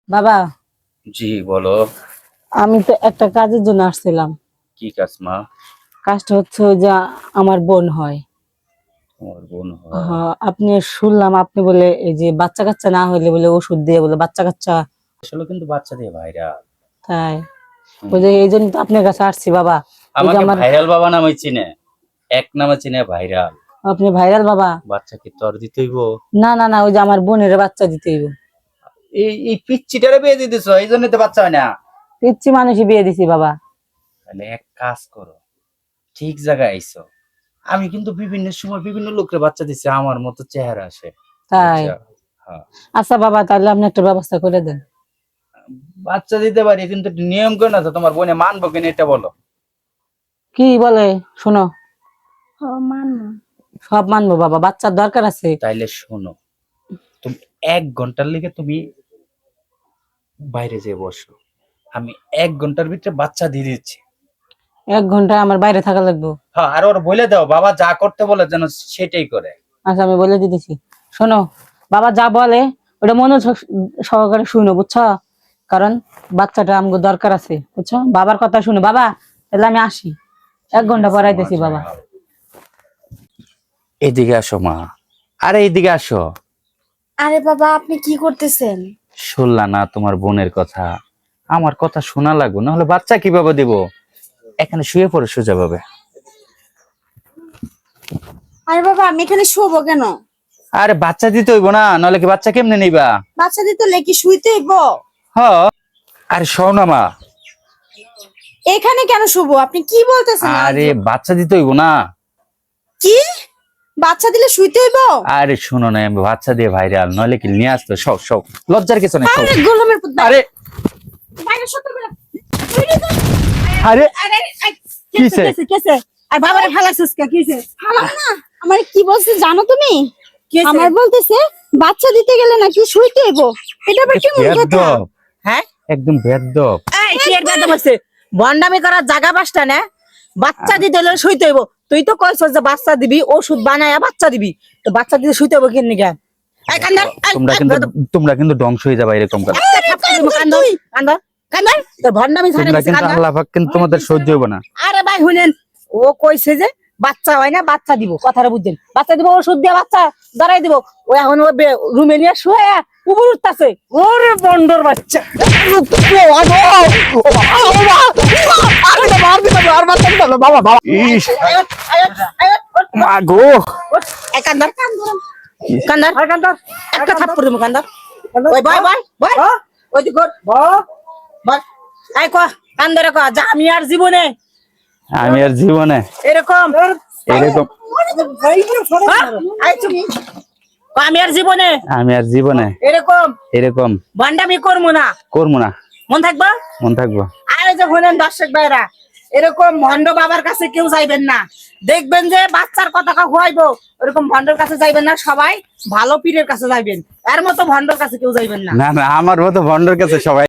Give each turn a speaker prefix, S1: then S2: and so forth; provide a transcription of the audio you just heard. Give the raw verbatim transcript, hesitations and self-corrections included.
S1: বাবা,
S2: জি বলো।
S1: আমি তো একটা কাজের জন্য আসছিলাম।
S2: কি কাজ মা?
S1: কাজটা হচ্ছে ওই যে আমার বোন হয়।
S2: তোমার বোন হয়?
S1: হ্যাঁ, আপনি শুনলাম আপনি বলে এই যে বাচ্চা কাচ্চা না হইলে বলে ওষুধ দিয়ে বলে বাচ্চা কাচ্চা।
S2: আসলে কিন্তু বাচ্চা দিয়ে ভাইরাল।
S1: তাই ওই যে এই জন্য তো আপনার কাছে আসছি বাবা। এই যে
S2: আমাকে
S1: আমার
S2: ভাইরাল বাবা নামে চিনে, এক নামে চিনে ভাইরাল।
S1: আপনি ভাইরাল বাবা।
S2: বাচ্চা কি তোর দিতেইব?
S1: না না না, ওই যে আমার বোনের বাচ্চা দিতে হইব।
S2: এই এই পিচ্চিটারে বিয়ে দিয়ে দিছো, এই জন্য তো বাচ্চা হয় না।
S1: পিচ্ছি মানুষই বিয়ে দিছি বাবা।
S2: তাহলে এক কাজ করো, ঠিক জায়গায় আইছো। আমি কিন্তু বিভিন্ন সময় বিভিন্ন লোকের বাচ্চা দিছি, আমার মতো চেহারা আসে।
S1: তাই
S2: বুঝছো? হ্যাঁ,
S1: আচ্ছা বাবা, তাহলে আপনি একটা ব্যবস্থা করে দেন।
S2: বাচ্চা দিতে পারি কিন্তু নিয়ম করে না তো, তোমার বোনে মানবো কিনা এটা বলো।
S1: কি বলে শোনো, সব মানবো বাবা, বাচ্চার দরকার আছে।
S2: তাইলে শোনো, তুমি এক ঘন্টার লেগে তুমি বাইরে যেয়ে বসো, আমি এক ঘন্টার ভিতরে বাচ্চা দিয়ে দিচ্ছি।
S1: এক ঘন্টা আমার বাইরে থাকা লাগবে।
S2: হ্যাঁ, আর ওর বলে দাও বাবা যা করতে বলে যেন সেটাই করে।
S1: আচ্ছা আমি বলে দিতেছি। শোনো, বাবা যা বলে ওটা মনে সহকারে শুনো, বুঝছো? কারণ বাচ্চাটা আমগো দরকার আছে, বুঝছো? বাবার কথা শুনো বাবা। তাহলে আমি আসি, এক ঘন্টা পর আইতেছি বাবা।
S2: এদিকে আসো মা, আরে এদিকে আসো।
S3: আরে বাবা, আপনি কি করতেছেন?
S2: শুনলা না তোমার বোনের কথা? আমার কথা শোনা লাগবে, নাহলে বাচ্চা কিভাবে দিব? এখানে শুয়ে পড়ে সোজা ভাবে।
S3: আরে বাবা, আমি এখানে শোবো কেন?
S2: আরে বাচ্চা দিতে হইব না, নাহলে কি বাচ্চা কেমনে নিবা?
S3: বাচ্চা দিতে লেকি শুইতে হইব?
S2: হ, আরে শোনো না মা।
S3: এখানে কেন শুবো? আপনি কি বলতেছেন?
S2: আরে বাচ্চা দিতে হইব না।
S3: কি? বাচ্চা দিলে শুইতে হইব?
S2: আরে শোনো না, আমি বাচ্চা দিয়ে ভাইরাল, নইলে কি নিয়ে আসতো? সব সব লজ্জার কিছু নেই।
S3: আরে গোলামের পুত,
S2: আরে
S3: বাইরে সত্য করে।
S2: আরে
S3: আরে আই,
S2: কিসে?
S3: কেসে কেসে আর বাবারে ফালাছিস কে? কিসে ফালাম না? আমার কি বলছে জানো তুমি? আমার বলতেছে বাচ্চা দিতে গেলে নাকি শুইতে হইব। এটা আবার কেমন কথা?
S2: বেয়াদব,
S1: হ্যাঁ,
S2: একদম বেয়াদব।
S1: এই কি এর কথা বলছে? বন্ডামি করার জায়গা পাসটা না। বাচ্চা দিতে হলে শুইতে হইব। তুই তো কইছস যে বাচ্চা দিবি, ওষুধ বানায়া বাচ্চা দিবি, তো বাচ্চা দিতে শুইতে হইব কেন নিগা? এই কান্দর,
S2: তোমরা কিন্তু তোমরা কিন্তু ধ্বংস হয়ে যাবে এরকম করে।
S1: কান্দর কান্দর কান্দর, তোর ভন্ডামি ছাড়ে
S2: তোমরা
S1: গেছে
S2: কিন্তু
S1: কান্দর।
S2: আল্লাহ পাক কিন্তু তোমাদের সহ্য হবে না।
S1: আরে ভাই শুনেন, ও কইছে যে বাচ্চা হয় না, বাচ্চা দিব, কথাটা বুঝছেন? বাচ্চা দিব, ওষুধ দিয়ে বাচ্চা দাঁড়াই দিব। ও এখন রুমে নিয়ে শুয়ে উপর উঠতেছে। ওরে বন্ডর বাচ্চা!
S2: ইস, মা গো।
S1: এই কান্দর কান্দর কান্দর, একটা থাপ্পড় দিব কান্দর। ওই বয় বয় বয়, ওই দিক কর বয়। এই ক কান্দরে ক, যা আমি আর জীবনে
S2: আমি আর জীবনে
S1: এরকম
S2: এরকম
S1: হ্যাঁ? এই চুপ। ক, আমি আর জীবনে
S2: আমি আর জীবনে
S1: এরকম
S2: এরকম
S1: ভন্ডামি করবো না,
S2: করবো না।
S1: মন থাকবা?
S2: মন থাকবো।
S1: আর এই যে শুনেন দর্শক ভাইরা, এরকম ভন্ড বাবার কাছে কেউ যাইবেন না। দেখবেন যে বাচ্চার কথা খুয়াইবো, ওরকম ভন্ডর কাছে যাইবেন না। সবাই ভালো পীরের কাছে যাইবেন, এর মতো ভন্ডর কাছে কেউ যাইবেন না।
S2: না না, আমার মতো ভন্ডর কাছে সবাই